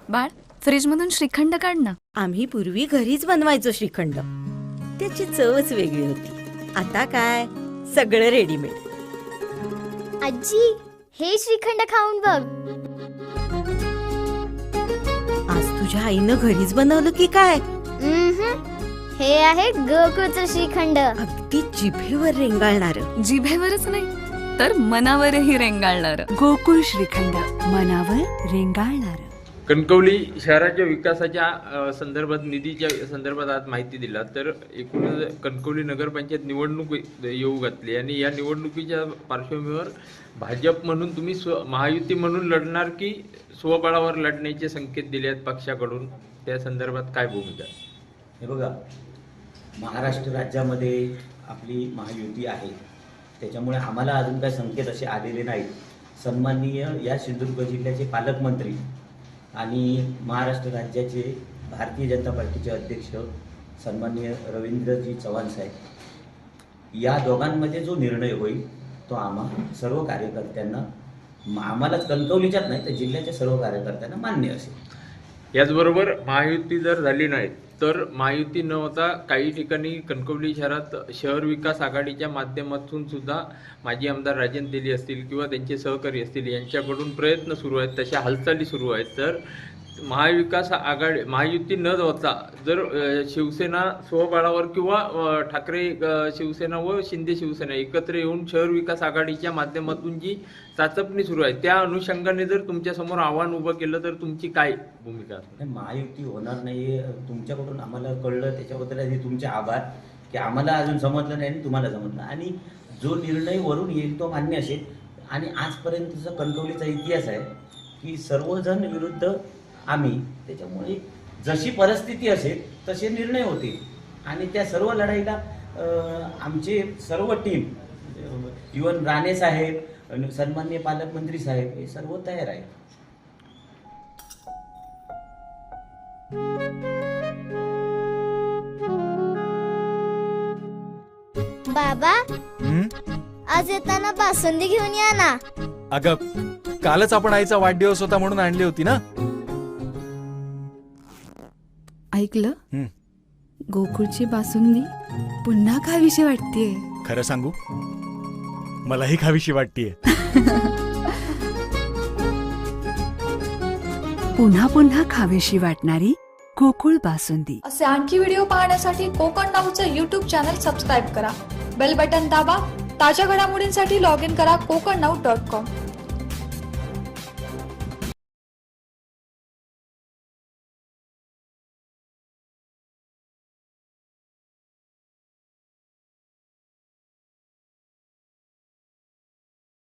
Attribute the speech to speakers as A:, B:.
A: बाळ, फ्रीजमधून श्रीखंड काढ ना.
B: आम्ही पूर्वी घरीच बनवायचो श्रीखंड. त्याची चवच वेगळी होती. आता काय सगळं रेडीमेड.
C: आजी, हे श्रीखंड खाऊन बघ.
B: आज तुझ्या आईनं घरीच बनवलं की काय?
C: हे आहे गोकुळचं श्रीखंड.
B: अगदी जिभेवर रेंगाळणार.
A: जिभेवरच नाही तर मनावरही रेंगाळणार.
D: गोकुळ श्रीखंड, मनावर रेंगाळणार.
E: कणकवली शहराच्या विकासाच्या संदर्भात निधीच्या संदर्भात आज माहिती दिला. तर एकूणच कणकवली नगरपंचायत निवडणूक येऊ घातली आणि या निवडणुकीच्या पार्श्वभूमीवर भाजप म्हणून तुम्ही महायुती म्हणून लढणार की स्वबळावर लढण्याचे संकेत दिले आहेत पक्षाकडून, त्या संदर्भात काय भूमिका?
F: हे बघा, महाराष्ट्र राज्यामध्ये आपली महायुती आहे, त्याच्यामुळे आम्हाला अजून काही संकेत असे आलेले नाहीत. सन्माननीय या सिंधुदुर्ग जिल्ह्याचे पालकमंत्री आणि महाराष्ट्र राज्याचे भारतीय जनता पार्टीचे अध्यक्ष सन्माननीय रवींद्रजी चव्हाण साहेब, या दोघांमध्ये जो निर्णय होईल तो आम्हा सर्व कार्यकर्त्यांना, आम्हालाच कणकवलीच्याच नाही तर जिल्ह्याच्या सर्व कार्यकर्त्यांना मान्य असेल.
E: याचबरोबर महायुती जर झाली नाही तर महायुती न होता काही ठिकाणी कणकवली शहरात शहर विकास आघाडीच्या माध्यमातून सुद्धा माजी आमदार राजन तेली असतील किंवा त्यांचे सहकारी असतील यांच्याकडून प्रयत्न सुरू आहेत, तशा हालचाली सुरू आहेत. तर महाविकास आघाडी महायुती न होता जर शिवसेना स्वबळावर किंवा ठाकरे शिवसेना व शिंदे शिवसेना एकत्र येऊन शहर विकास आघाडीच्या माध्यमातून जी चाचपणी सुरू आहे त्या अनुषंगाने जर तुमच्यासमोर आव्हान उभं केलं तर तुमची काय भूमिका असणार?
F: महायुती होणार नाही तुमच्याकडून आम्हाला कळलं, त्याच्याबद्दल आधी तुमचे आभार की आम्हाला अजून समजलं नाही आणि तुम्हाला समजलं, आणि जो निर्णय वरून येईल तो मान्य असेल. आणि आजपर्यंतचा कणकवलीचा इतिहास आहे की सर्वजण विरुद्ध आम्ही, त्याच्यामुळे जशी परिस्थिती असेल तसे निर्णय होतील आणि त्या सर्व लढाईला आमचे सर्व टीम, इवन राणे साहेब, सन्माननीय पालकमंत्री साहेब हे सर्व तयार आहे.
C: बाबा, आज येताना बासुंदी घेऊन या ना.
G: अगं, कालच आपण आईचा वाढदिवस होता म्हणून आणली होती ना.
D: ऐकलं? गोकुळची बासुंदी पुन्हा खावीशी वाटतेय.
G: खरं सांगू, मलाही खावीशी वाटतेय.
D: पुन्हा पुन्हा खावीशी वाटणारी गोकुळ बासुंदी.
H: असे आणखी व्हिडिओ पाहण्यासाठी कोकण नाऊचं YouTube चॅनल सबस्क्राईब करा. बेल बटन दाबा. ताज्या घडामोडींसाठी लॉग इन करा kokarnau.com.